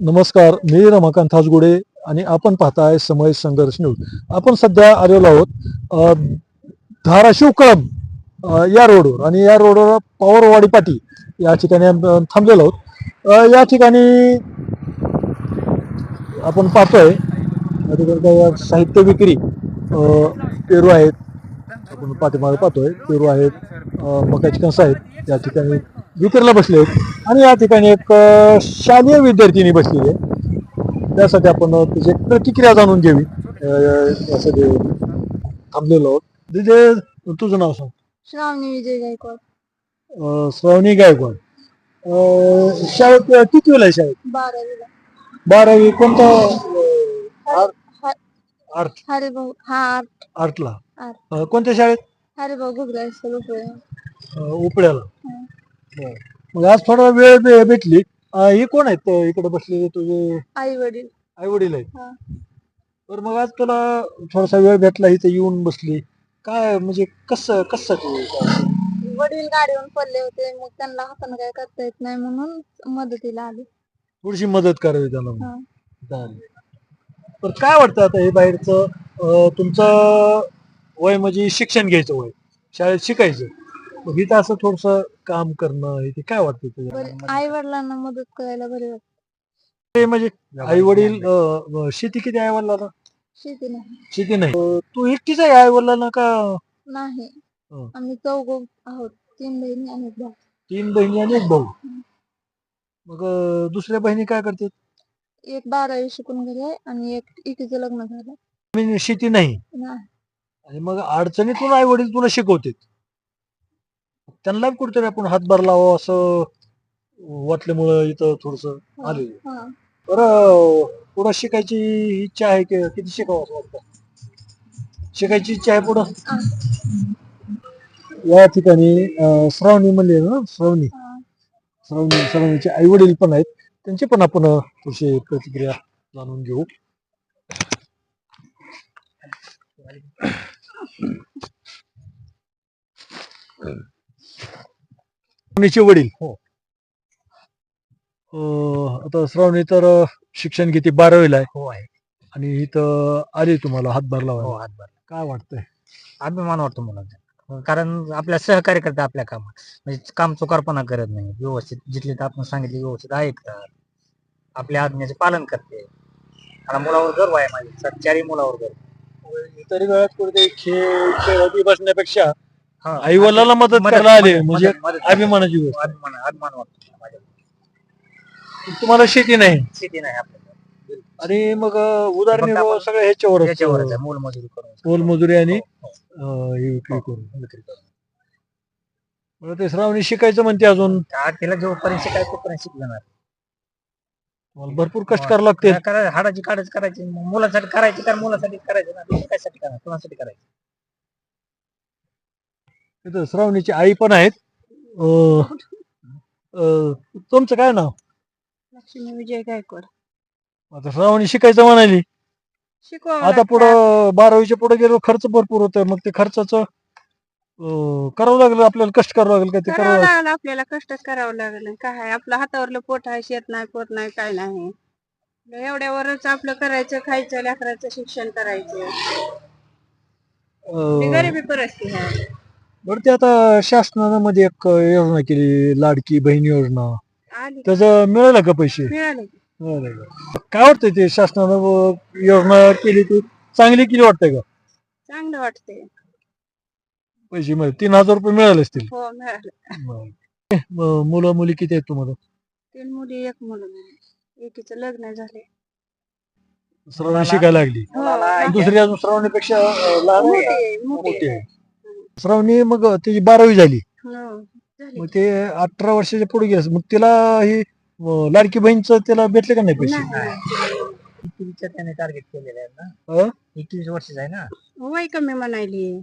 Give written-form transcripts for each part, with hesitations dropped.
नमस्कार, मी रमाकांत हासगुडे आणि आपण पाहताय समय संघर्ष न्यूज. आपण सध्या आलेलो आहोत धाराशिव कळंब या रोडवर आणि या रोडवर पवारवाडी पाटी या ठिकाणी थांबलेलो आहोत. या ठिकाणी आपण पाहतोय या ठिकाणी काही साहित्य विक्री पेरू आहेत. आपण पाठीमागे पाहतोय पेरू आहेत, मकाची कणसं आहेत या ठिकाणी विक्रीला बसले आहेत आणि या ठिकाणी एक शालेय विद्यार्थिनी बसलेली आहे. त्यासाठी आपण त्याची प्रतिक्रिया जाणून घ्यावी यासाठी थांबलेलो आहोत. तिथे तुझं नाव सांग. श्रावणी विजय गायकवाड. श्रावणी गायकवाड. शाळेत किती वेळा आहे शाळेत? 12वीला. 12वी कोणता? आर्ट. हरिभाऊ आर्टला. कोणत्या शाळेत? हरिभाऊ गुगला उपड्याला. मग आज थोडा वेळ भेटली. हे कोण आहेत इकडे बसलेले तुझे? आई वडील. आई वडील आहेत. तर मग आज तुला थोडासा वेळ भेटला इथे येऊन बसली, काय म्हणजे कसं वडील गाडीवरून पडले होते, मग त्यांना हाताने काय करता येत नाही म्हणून मदतीला आले. थोडीशी मदत करावी त्यांना. हा. चालेल. तर काय वाटतं आता हे बाहेरचं तुमचं वय म्हणजे शिक्षण घ्यायचं वय, शाळेत शिकायचं, मग इथं असं थोडस काम करणं हे काय वाटतं तुझ्या? आई वडिलांना मदत करायला बरे वाटत. ते म्हणजे आई वडील शेती किती आई वडिलांना? शेती नाही. शेती नाही. तू एकटीच आहे आई वडिलांना का? नाही, आम्ही चौघ आहोत, 3 बहिणी आणि 1 भाऊ. 3 बहिणी आणि 1 भाऊ. मग दुसऱ्या बहिणी काय करतात? एक 12वी शिकून घरी आहे आणि एकीचं लग्न झालं. म्हणजे शेती नाही नाही. आणि मग अडचणीतून आई वडील तुला शिकवतात, त्यांना कुठेतरी आपण हातभार लावा असं वाटल्यामुळं इथं थोडस आले. बरं, पुढं शिकायची इच्छा आहे की किती शिकावं असं वाटतं? शिकायची इच्छा आहे पुढं. या ठिकाणी श्रावणी म्हणले ना, श्रावणीचे आई वडील पण आहेत, त्यांची पण आपण थोडीशी प्रतिक्रिया जाणून घेऊ. श्रावणीचे वडील. हो. आता श्रावणी तर शिक्षण किती 12वीला आहे. हो आहे. आणि इथं आली तुम्हाला हातभार हो, लावा. हातभार. काय वाटतंय? अभिमान वाटतो मुलांचा, कारण आपल्या सहकार्य करतात आपल्या कामात, म्हणजे काम चुकारपणा करत नाही, व्यवस्थित जिथले तर आपण सांगितले व्यवस्थित ऐकतात, आपल्या आज्ञेचे पालन करते. आणि मुलावर गर्व आहे माझ्या, 4ही मुलावर गर्व. इतर वेळात कुठे खेळती बसण्यापेक्षा हा, आई वडिलांना मदत करायला आले म्हणजे अभिमानाची गोष्ट. अभिमान वाटतो माझ्या. तुम्हाला शेती नाही शेती नाही आपल्याला, आणि मग उदाहरण सगळं ह्याच्यावरच आहे, मोलमजुरी करून, मोलमजुरी आणि हो, विक्री करून. मला ते श्रावणी शिकायचं म्हणते अजून. तिला जोपर्यंत शिकायचं तोपर्यंत शिकणार. भरपूर कष्ट करावं लागते. हाडाची काढच करायची, मुलासाठी करायची, कारण मुलासाठी करायचं ना, कशासाठी करायचं, कोणासाठी करायचं. तिथं श्रावणीची आई पण आहेत. तुमचं काय नाव? लक्ष्मी विजय गायकवाड. आता श्रावणी शिकायचं म्हणाली, आता पुढं 12वीच्या पुढे गेलो खर्च भरपूर होतोय, मग ते खर्चाचं करावं लागलं आपल्याला, कष्ट करावं लागेल. काय ते करावं लागलं आपल्याला, कष्टच करावं लागलं. काय आपलं हातावरलं पोट आहे, शेत नाही, पोट नाही, काय नाही. एवढ्यावरच आपलं करायचं, खायचं, लेकराचं शिक्षण करायचं. गरिबी परिस्थिती आहे. बरं, ते आता शासनानं मध्ये एक योजना केली, लाडकी बहीण योजना, त्याचं मिळालं का पैसे? मिळाले. काय वाटतंय ते शासनानं योजना केली ती चांगली केली वाटतंय का? चांगलं वाटतंय. पैसे मिळाले, 3000 रुपये मिळाले असतील. हो, मिळाले. मुलं मुली किती आहेत तुम्हाला? 3 मुली 1 मुलगा. एकीचं लग्न झाले. श्रावणी शिकायला लागली. दुसरी अजून श्रावणीपेक्षा लहान मोठी आहे. श्रावणी मग त्याची 12वी झाली, मग ते 18 वर्षाच्या पुढे गेलं, मग तिला ही लाडकी बहीणचं तिला भेटले का नाही पैसे? त्याने टार्गेट केलेलं आहे ना, 21 वर्षाचं आहे ना. वय कमी म्हणायली.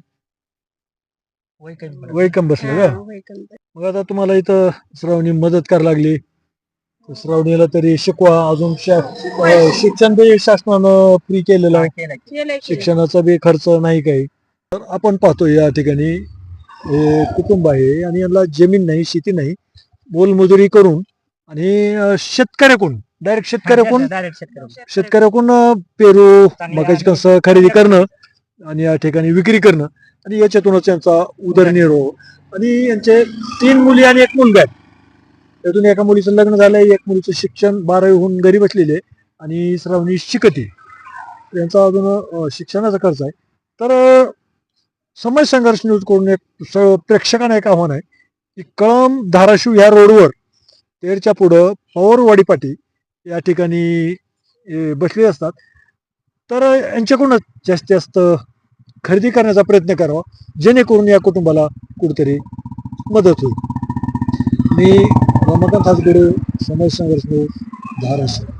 वय कमी बसलं का? मग आता तुम्हाला इथं श्रावणी मदत करायला लागली, श्रावणीला तरी शिकवा अजून. शिक्षण बी शासनानं फ्री केलेलं आहे, शिक्षणाचा बी खर्च नाही काही. तर आपण पाहतो या ठिकाणी हे कुटुंब आहे आणि यांना जमीन नाही, शेती नाही, मोलमजुरी करून आणि शेतकऱ्याकडून डायरेक्ट शेतकऱ्याकडून डायरेक्ट शेतकरी शेतकऱ्याकडून पेरू चांगले मकाची आणि- कणसं खरेदी करणं आणि या ठिकाणी विक्री करणं आणि याच्यातूनच त्यांचा उदरनिर्वाह आणि यांचे 3 मुली आणि 1 मुलगा आहे. त्यातून एका मुलीचं लग्न झालंय, एक मुलीचं शिक्षण 12वी होऊन घरी बसलेले आहे आणि श्रावणी शिकते. यांचा अजून शिक्षणाचा खर्च आहे. तर समाज संघर्ष न्यूज कडून एक प्रेक्षकांना एक आव्हान आहे की कळंब धाराशिव या रोडवर तेरच्या पुढं पवारवाडी पाटी या ठिकाणी बसले असतात. तर यांच्याकडूनच जास्तीत जास्त खरेदी करण्याचा प्रयत्न करावा जेणेकरून या कुटुंबाला कुठेतरी मदत होईल. मी रमाकांत हासगडे, समाज संघर्ष न्यूज, धाराशिव.